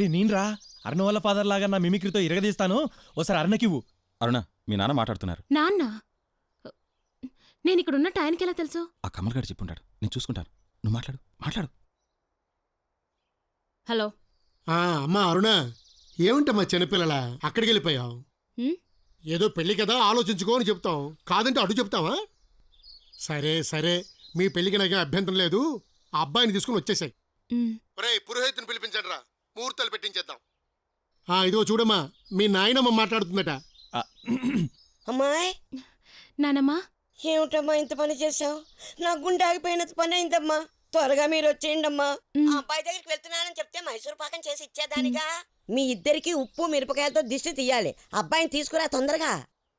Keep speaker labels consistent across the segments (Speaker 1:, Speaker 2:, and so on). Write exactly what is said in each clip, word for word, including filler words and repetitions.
Speaker 1: నేనరా అరుణ వాళ్ళ ఫాదర్ లాగా నా మిమిక్రీతో ఇరగదీస్తాను. ఓసారి అరుణకివ్వు.
Speaker 2: అరుణ, మీ నాన్న మాట్లాడుతున్నారు.
Speaker 3: నాన్న? నేను ఇక్కడ ఉన్నట్టు ఆయనకి ఎలా తెలుసు?
Speaker 2: ఆ కమల్ గారు చెప్పుంటాడు, నేను చూసుకుంటాను. నువ్వు మాట్లాడు మాట్లాడు.
Speaker 3: హలో.
Speaker 4: అమ్మా అరుణ, ఏమిటమ్మా చిన్నపిల్లల అక్కడికి వెళ్ళిపోయావు? ఏదో పెళ్లి కదా ఆలోచించుకో అని చెప్తాం, కాదంటే అడు చెప్తావా? సరే సరే, మీ పెళ్లికి నాకు అభ్యంతరం లేదు. ఆ అబ్బాయిని తీసుకుని వచ్చేసాయి. ఒరేయ్, పురోహితుని పిలిపించండి రా, ముహూర్తాలు పెట్టించేద్దాం. ఇదిగో చూడమ్మా, మీ నాయనమ్మ మాట్లాడుతుందట.
Speaker 5: అమ్మాయి.
Speaker 3: నానమ్మా.
Speaker 5: ఏమిటమ్మా ఇంత పని చేసావు? నా గుండె ఆగిపోయినంత పని అయిందమ్మా. త్వరగా మీరు వచ్చేయండి అమ్మా. ఆ అబ్బాయి దగ్గరికి వెళ్తున్నానని చెప్తే మైసూర్ పాకం చేసి ఇచ్చేదానిగా. మీ ఇద్దరికి ఉప్పు మిరపకాయలతో దిష్టి తీయాలి. అబ్బాయిని తీసుకురా తొందరగా.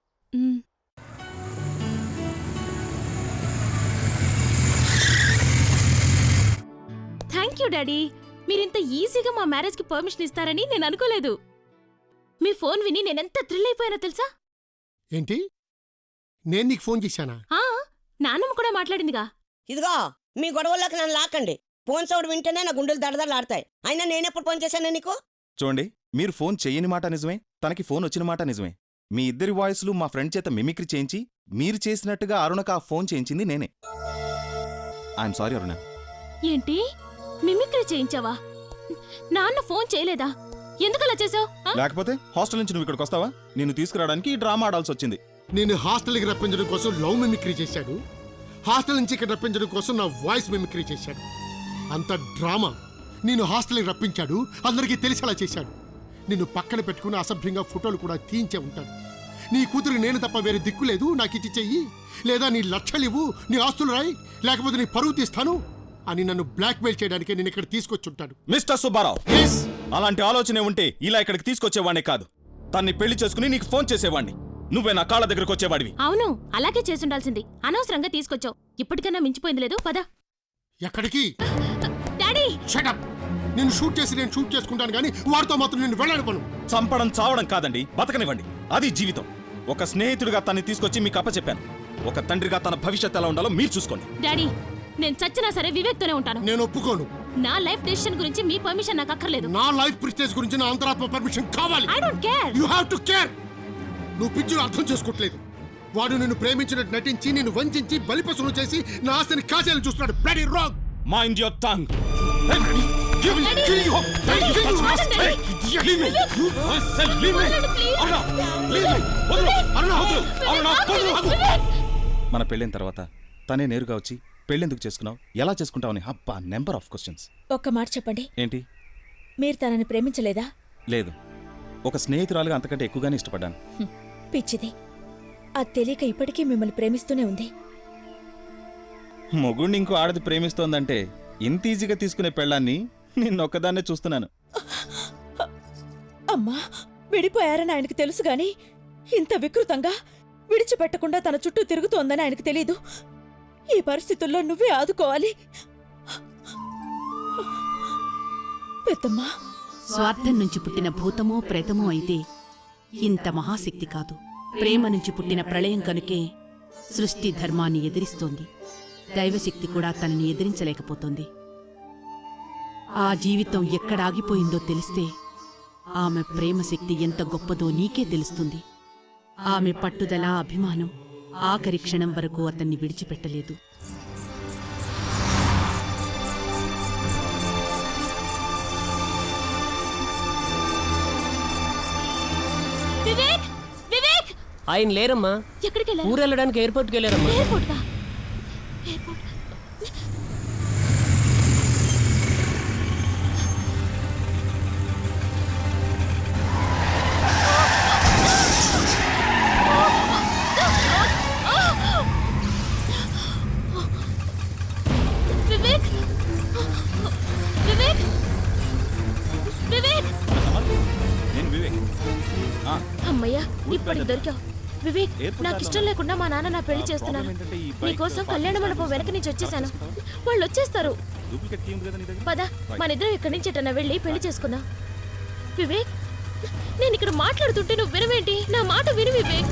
Speaker 3: Thank you daddy. మీరింత ఈజీగా మా మ్యారేజ్కి పర్మిషన్ ఇస్తారని నేను అనుకోలేదు. మీ ఫోన్ విని నేనెంత థ్రిల్ అయిపోయానో తెలుసా?
Speaker 4: ఏంటి, నేను నీకు ఫోన్ చేశానా?
Speaker 3: నాన్నమ్మ కూడా మాట్లాడిందిగా.
Speaker 5: ఇదిగో, మీ గొడవల్లోకి నన్ను లాక్కండి. ఫోన్ సౌండ్ వింటేనే నా గుండెలు దడదడలాడతాయి. అయినా నేనెప్పుడు ఫోన్ చేశాను నీకు?
Speaker 2: చూడండి, మీరు ఫోన్ చెయ్యని మాట నిజమే, తనకి ఫోన్ వచ్చిన మాట నిజమే. మీ ఇద్దరి వాయిస్లు మా ఫ్రెండ్ చేత మిమిక్రీ చేయించి మీరు చేసినట్టుగా అరుణకు ఆ ఫోన్ చేయించింది నేనే. I'm sorry Aruna.
Speaker 3: ఏంటి, మిమిక్రీ చేయించావా? నాన్న ఫోన్ చేయలేదా? ఎందుకలా చేసావు?
Speaker 2: లేకపోతే హాస్టల్ నుంచి నువ్వు ఇక్కడికి వస్తావా? నిన్ను తీసుకురావడానికి ఈ డ్రామా ఆడాల్సి వచ్చింది.
Speaker 4: నేను హాస్టల్కి రప్పించడం కోసం లవ్ మిమిక్రీ చేశాడు, హాస్టల్ నుంచి ఇక్కడ రప్పించడం కోసం నా వాయిస్ మిమిక్రీ చేశాడు. అంత డ్రామా. నేను హాస్టల్కి రప్పించాడు, అందరికీ తెలిసేలా చేశాడు. నిన్ను పక్కన పెట్టుకుని అసభ్యంగా ఫోటోలు కూడా తీయించే ఉంటాడు. నీ కూతురికి నేను తప్ప వేరే దిక్కు లేదు, నాకు ఇచ్చి చెయ్యి, లేదా నీ లక్షలివ్వు, నీ ఆస్తులు రాయి, లేకపోతే నీ పరువు తీస్తాను అని నన్ను బ్లాక్మెయిల్ చేయడానికి నేను ఇక్కడ తీసుకొచ్చుంటాడు.
Speaker 2: మిస్టర్ సుబ్బారావు, అలాంటి ఆలోచనే ఉంటే ఇలా ఇక్కడికి తీసుకొచ్చేవాడిని కాదు. తన్ని పెళ్లి చేసుకుని నీకు ఫోన్ చేసేవాడిని. నువ్వే నా కాళ్ళ దగ్గరకు వచ్చేవాడివి.
Speaker 3: అవును, అలాగే చేసుండాల్సింది. అనవసరంగా తీసుకొచ్చావు. ఇప్పటికన్నా మించిపోయింది లేదు. పద.
Speaker 4: ఎక్కడికి?
Speaker 3: Daddy
Speaker 4: shut up. నేను షూట్ చేసి నేను షూట్ చేసుకుంటాను కానీ వాడితో మాత్రం నేను వెళ్ళాను.
Speaker 2: చంపడం చావడం కాదండి, బతకనివ్వండి. అది జీవితం. ఒక స్నేహితుడిగా తన్ని తీసుకొచ్చి మీకు అప్పచెప్పాను. ఒక తండ్రిగా తన భవిష్యత్తు ఎలా ఉండాలో మీరు చూసుకోండి.
Speaker 3: డాడీ, నేను చచ్చినా సరే వివేక్తోనే ఉంటాను.
Speaker 4: నేను ఒప్పుకోను.
Speaker 3: నా లైఫ్ డెసిషన్ గురించి మీ పర్మిషన్ నాకు అక్కర్లేదు.
Speaker 4: నా లైఫ్ ప్రిస్టేజ్ గురించి నా అంతరాత్మ పర్మిషన్ కావాలి.
Speaker 3: I don't care.
Speaker 4: You have to care. నువ్వు పిచ్చును అర్థం చేసుకోవట్లేదు. వాడు నిన్ను ప్రేమించినట్టు నటించి నిన్ను వంచి బలిపశువును చేసి నా ఆస్తిని కాచేయాలని చూస్తున్నాడు. Bloody wrong.
Speaker 2: Mind your tongue. మన పెళ్ళైన తర్వాత తనే నేరుగా వచ్చి పెళ్ళెందుకు చేసుకున్నావు, ఎలా చేసుకుంటావని అబ్బా నెంబర్ ఆఫ్ క్వశ్చన్స్.
Speaker 6: ఒక్క మాట చెప్పండి.
Speaker 2: ఏంటి?
Speaker 6: మీరు తనని ప్రేమించలేదా?
Speaker 2: లేదు, ఒక స్నేహితురాలుగా అంతకంటే ఎక్కువగానే ఇష్టపడ్డాను.
Speaker 6: పిచ్చిది, అది తెలియక ఇప్పటికీ మిమ్మల్ని ప్రేమిస్తూనే ఉంది.
Speaker 2: మొగుడిని ఇంకో ఆడది ప్రేమిస్తోందంటే ఇంత ఈజీగా తీసుకునే పెళ్ళాన్ని నిన్నొక్కదాన్నే చూస్తున్నాను.
Speaker 6: అమ్మా, విడిపోయారని ఆయనకు తెలుసు గాని ఇంత వికృతంగా విడిచిపెట్టకుండా తన చుట్టూ తిరుగుతోందని ఆయనకు తెలీదు. ఈ పరిస్థితుల్లో నువ్వే ఆదుకోవాలి. పెద్దమ్మా,
Speaker 7: స్వార్థం నుంచి పుట్టిన భూతమో ప్రేతమో అయితే ఇంత మహాశక్తి కాదు. ప్రేమ నుంచి పుట్టిన ప్రళయం కనుకే సృష్టి ధర్మాన్ని ఎదిరిస్తోంది. దైవశక్తి కూడా తనని ఎదిరించలేకపోతోంది. ఆ జీవితం ఎక్కడాగిపోయిందో తెలిస్తే ఆమె ప్రేమశక్తి ఎంత గొప్పదో నీకే తెలుస్తుంది. ఆమె పట్టుదల, అభిమానం ఆఖరి క్షణం వరకు అతన్ని విడిచిపెట్టలేదు.
Speaker 3: వివేక్, వివేక్!
Speaker 8: ఆయన లేరమ్మా.
Speaker 3: ఎక్కడికి వెళ్ళారు?
Speaker 8: ఊరు వెళ్ళడానికి ఎయిర్పోర్ట్కి వెళ్ళారమ్మా.
Speaker 3: ఎయిర్పోర్ట్ కా? ఎయిర్పోర్ట్. వివేక్, వివేక్, వివేక్!
Speaker 2: నేను వివేక్.
Speaker 3: అమ్మయ్యా, ఇప్పటికి దొరికావు. వివేక్, నాకు ఇష్టం లేకుండా మా నాన్న నా పెళ్లి చేస్తున్నారు. నీకోసం కళ్యాణ మండపం వెనక నుంచి వచ్చేసాను. వాళ్ళు వచ్చేస్తారు. పద, మన ఇద్దరం ఇక్కడి నుంచి ఎటన్నా వెళ్ళి పెళ్లి చేసుకుందాం. వివేక్, నేను ఇక్కడ మాట్లాడుతుంటే నువ్వు వినవేంటి? నా మాట విను వివేక్.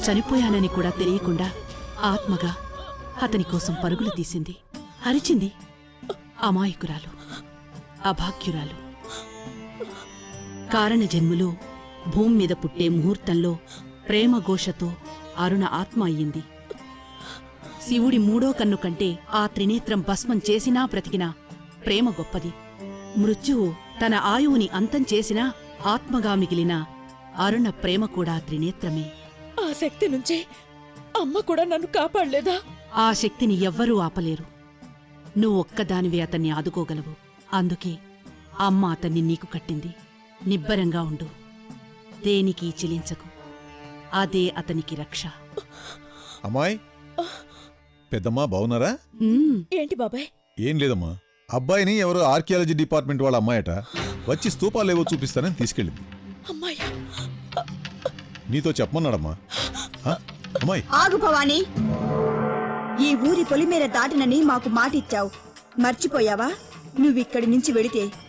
Speaker 7: చనిపోయానని కూడా తెలియకుండా ఆత్మగా అతని కోసం పరుగులు తీసింది, అరిచింది. అమాయకురాలు, అభాగ్యురాలు. కారణ జన్ములో భూమి మీద పుట్టే ముహూర్తంలో ప్రేమఘోషతో అరుణ ఆత్మ అయ్యింది. శివుడి మూడో కన్ను కంటే ఆ త్రినేత్రం భస్మం చేసినా బ్రతికినా ప్రేమ గొప్పది. మృత్యువు తన ఆయువుని అంతం చేసినా ఆత్మగా మిగిలిన అరుణ ప్రేమ కూడా త్రినేత్రమే.
Speaker 6: ఆ శక్తి నుంచి అమ్మ కూడా నన్ను కాపాడలేదా?
Speaker 7: ఆ శక్తిని ఎవ్వరూ ఆపలేరు. నువ్వొక్కదానివే అతన్ని ఆదుకోగలవు. అందుకే అమ్మ అతన్ని నీకు కట్టింది. నిబ్బరంగా ఉండు, దేనికి చిలించకు. అదే అతనికి రక్ష.
Speaker 9: అమ్మాయి, పెద్దమ్మా బావున్నారా?
Speaker 7: ఉమ్,
Speaker 6: ఏంటి బాబాయ్?
Speaker 9: ఏం లేదమ్మా, అబ్బాయిని ఎవరో ఆర్కియాలజీ డిపార్ట్మెంట్ వాళ్ళ అమ్మాయట వచ్చి స్తూపాలేవో చూపిస్తానని తీసుకెళ్ళింది.
Speaker 6: అమ్మాయ్యా,
Speaker 9: నీతో చెప్పమన్నాడమ్మా. ఆ, అమ్మాయి
Speaker 10: ఆగు భవానీ, ఈ ఊరి పొలిమేర దాటినని మాకు మాటిచ్చావు, మర్చిపోయావా? నువ్విక్కడి నుంచి వెడితే